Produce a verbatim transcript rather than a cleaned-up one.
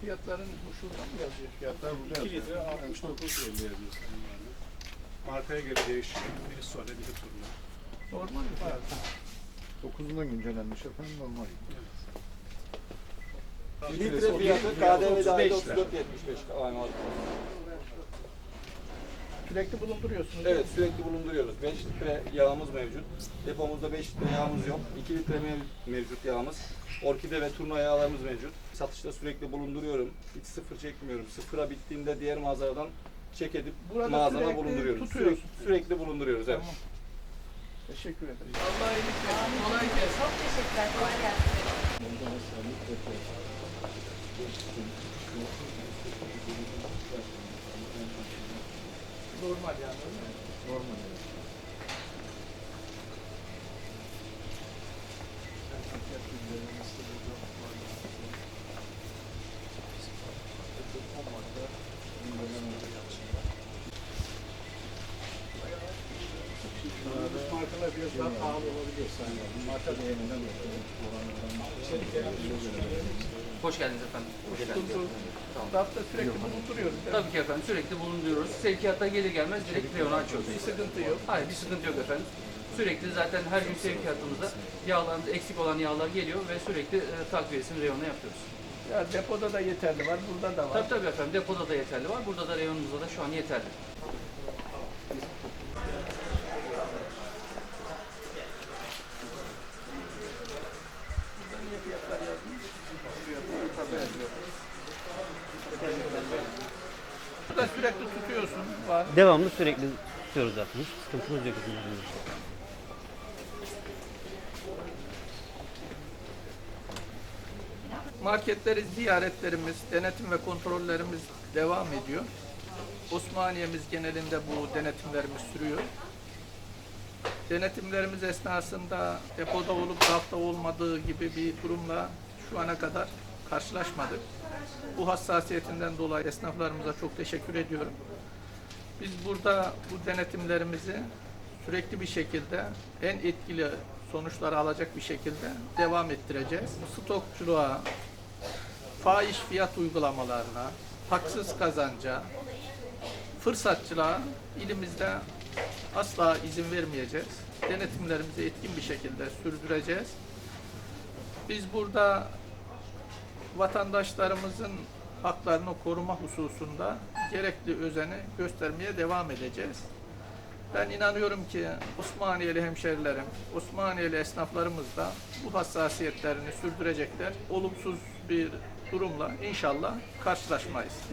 fiyatların bu şurada mı yazıyor? Fiyatlar burada iki litre yazıyor. altmış dokuz elli yazıyor sayın valim. Markaya göre değişiyor. Biri Sole, biri Turna. Normal mi fiyat? dokuzundan güncellenmiş efendim, normal. Evet. Litre fiyatı K D V dahil otuz dört yetmiş beş. Sürekli bulunduruyorsunuz. Evet, sürekli bulunduruyoruz. beş litre yağımız mevcut. Depomuzda beş litre yağımız yok. iki litre mev- mevcut yağımız. Orkide ve turna yağlarımız mevcut. Satışta sürekli bulunduruyorum. Hiç sıfır çekmiyorum. Sıfıra bittiğinde diğer mağazalardan çek edip Burada mağazana sürekli bulunduruyoruz. tutuyorsun. Sürekli, sürekli bulunduruyoruz. Evet. Tamam. Teşekkür ederim. Allah iyilik versin. Kolay gelsin. Çok teşekkürler. Kolay gelsin. Normal yani. Öyle mi? Normal. Markalar biraz daha pahalı olabiliyor sayın valim. Marka değerinden dolayı. Hoş geldiniz efendim. Hoş geldiniz. Tamam. Rafta sürekli bulunduruyoruz. değil mi? Tabii ki efendim sürekli bulunduruyoruz. Sevkiyata gelir gelmez direkt reyonu açıyoruz. Bir sıkıntı yok. Hayır bir sıkıntı yok efendim. Sürekli zaten her gün sevkiyatımızda yağlarımız eksik olan yağlar geliyor ve sürekli e, takviyesini reyona yapıyoruz. Ya depoda da yeterli var, burada da var. Tabii tabii efendim depoda da yeterli var. Burada da reyonumuzda da şu an yeterli. Burada niye fiyatlar yazmış? Tabii yazıyor. Burada sürekli tutuyorsun. Var. Devamlı sürekli tutuyoruz zaten. Hiç sıkıntımız yok bizim elimizde. Marketleri ziyaretlerimiz, denetim ve kontrollerimiz devam ediyor. Osmaniye'miz genelinde bu denetimlerimiz sürüyor. Denetimlerimiz esnasında depoda olup rafta olmadığı gibi bir durumla şu ana kadar karşılaşmadık. Bu hassasiyetinden dolayı esnaflarımıza çok teşekkür ediyorum. Biz burada bu denetimlerimizi sürekli bir şekilde en etkili sonuçları alacak bir şekilde devam ettireceğiz. Stokçuluğa, fahiş fiyat uygulamalarına, haksız kazanca, fırsatçılığa ilimizde asla izin vermeyeceğiz. Denetimlerimizi etkin bir şekilde sürdüreceğiz. Biz burada vatandaşlarımızın haklarını koruma hususunda gerekli özeni göstermeye devam edeceğiz. Ben inanıyorum ki Osmaniyeli hemşerilerim, Osmaniyeli esnaflarımız da bu hassasiyetlerini sürdürecekler. Olumsuz bir durumla inşallah karşılaşmayız.